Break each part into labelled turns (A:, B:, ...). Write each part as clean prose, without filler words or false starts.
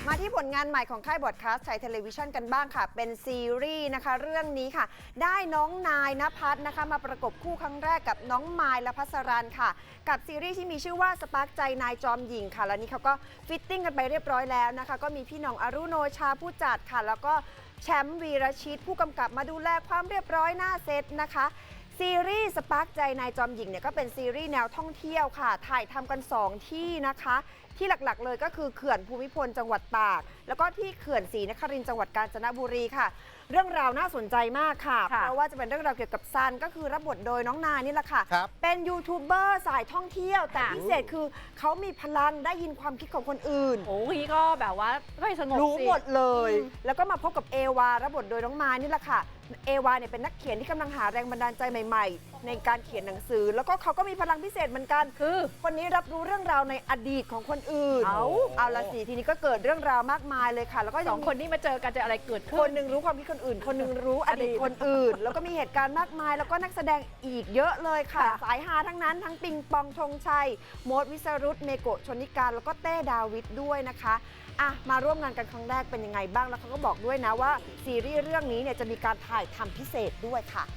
A: มาที่ผลงานใหม่ของค่ายบอดคาสต์ไทยเทเลวิชันกันบ้างค่ะเป็นซีรีส์นะคะเรื่องนี้ค่ะได้น้องนายณภัทรนะคะมาประกบคู่ครั้งแรกกับน้องมายและพัสรันค่ะกับซีรีส์ที่มีชื่อว่าสปาร์กใจนายจอมหญิงค่ะแล้วนี้เขาก็ฟิตติ้งกันไปเรียบร้อยแล้วนะคะก็มีพี่น้องอรุโนชาผู้จัดค่ะแล้วก็แชมป์วีรชิตผู้กำกับมาดูแลความเรียบร้อยหน้าเซตนะคะซีรีส์สปาร์กใจนายจอมหญิงเนี่ยก็เป็นซีรีส์แนวท่องเที่ยวค่ะถ่ายทำกัน2ที่นะคะที่หลักๆเลยก็คือเขื่อนภูมิพลจังหวัดตากแล้วก็ที่เขื่อนศรีนครินทร์จังหวัดกาญจนบุรีค่ะเรื่องราวน่าสนใจมากค่ะเพราะว่าจะเป็นเรื่องราวเกี่ยวกับซันก็คือรับบทโดยน้องนายนี่แหละค่ะเป็นยูทูบเบอร์สายท่องเที่ยวแต่พิเศษคือเขามีพลังได้ยินความคิดของคนอื่น
B: โอ้ยก็แบบว่าไม่สงบ
A: รู้หมดเลยแล้วก็มาพบกับเอวารับบทโดยน้องมายนี่แหละค่ะเอวาเนี่ยเป็นนักเขียนที่กำลังหาแรงบันดาลใจใหม่ๆในการเขียนหนังสือแล้วก็เขาก็มีพลังพิเศษเหมือนกันคือคนนี้รับรู้เรื่องราวในอดีตของคนอื่นเอาละสิทีนี้ก็เกิดเรื่องราวมากมายเลยค่ะแล้วก็
B: 2 คนนี้มาเจอกันจะอะไรเกิดขึ้น
A: คนหนึ่งรู้ความคิดคนอื่นคนหนึ่งรู้อดีตคนอื่นแล้วก็มีเหตุการณ์มากมายแล้วก็นักแสดงอีกเยอะเลยค่ะสายฮาทั้งนั้นทั้งปิงปองธงชัยโมดวิสรุตเมโกะชนิการแล้วก็เต้ดาวิดด้วยนะคะมาร่วมงานกันครั้งแรกเป็นยังไงบ้างแล้วเขาก็บอกด้วยนะว่าซีรีส์เรื่องนี้เนี่ยจะมีการถ่ายทำพิเศษด้วยค่ะ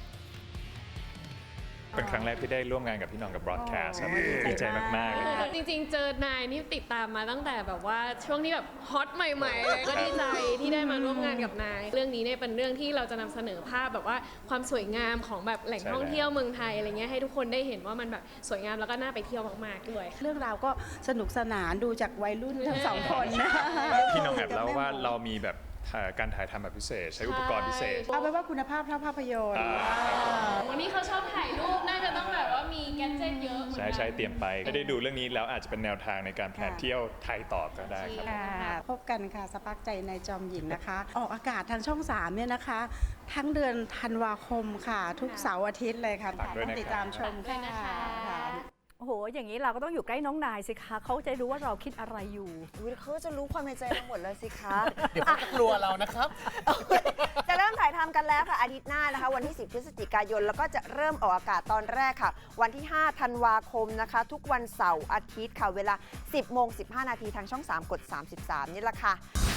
C: เป็นครั้งแรกที่ได้ร่วมงานกับพี่น้องกับบรอดแคสต์ครับดีใจมากๆเลย
D: จริงๆเจอนายนี่ติดตามมาตั้งแต่แบบว่าช่วงที่แบบฮอตใหม่ๆเลยก็ดีใจที่ได้มาร่วมงานกับนายเรื่องนี้เนี่ยเป็นเรื่องที่เราจะนำเสนอภาพแบบว่าความสวยงามของแบบแหล่งท่องเที่ยวเมืองไทยอะไรเงี้ยให้ทุกคนได้เห็นว่ามันแบบสวยงามแล้วก็น่าไปเที่ยวมากๆด้วย
E: เรื่องราวก็สนุกสนานดูจากวัยรุ่นทั้ง2 คนนะ
C: พี่น้องแอบเล่าว่าเรามีแบบการถ่ายทำแบบพิเศษใช้อุปกรณ์พิเศษ
E: เอาไว้ว่าคุณภาพเท่าภาพยนตร์
D: วันนี้เขาชอบถ่ายรูปน่าจะต้องแบบว่ามีแกดเจ็ตเยอะ
C: ใช่เตรียมไปไม่ได้ดูเรื่องนี้แล้วอาจจะเป็นแนวทางในการแพลนเที่ยวไทยต่อก็ได้ครับ
E: พบกันค่ะสปาร์กใจในจอมหญิงนะคะออกอากาศทางช่อง3เนี่ยนะคะทั้งเดือนธันวาคมค่ะทุกเสาร์อาทิตย์เลยค่ะต้องติดตามชมค่ะ
B: โอ้โหอย่างนี้เราก็ต้องอยู่ใกล้น้องนายสิคะเขาจะรู้ว่าเราคิดอะไรอยู่
A: เขาจะรู้ความในใจเราหมดเลยสิคะ
F: เดี๋ยวเขาจะกลัวเรานะครับ
A: จะเริ่มถ่ายทำกันแล้วค่ะอาทิตย์หน้านะคะวันที่10 พฤศจิกายนแล้วก็จะเริ่มออกอากาศตอนแรกค่ะวันที่5 ธันวาคมนะคะทุกวันเสาร์อาทิตย์ค่ะเวลา 10:15 น.ทางช่อง3กด33นี่แหละค่ะ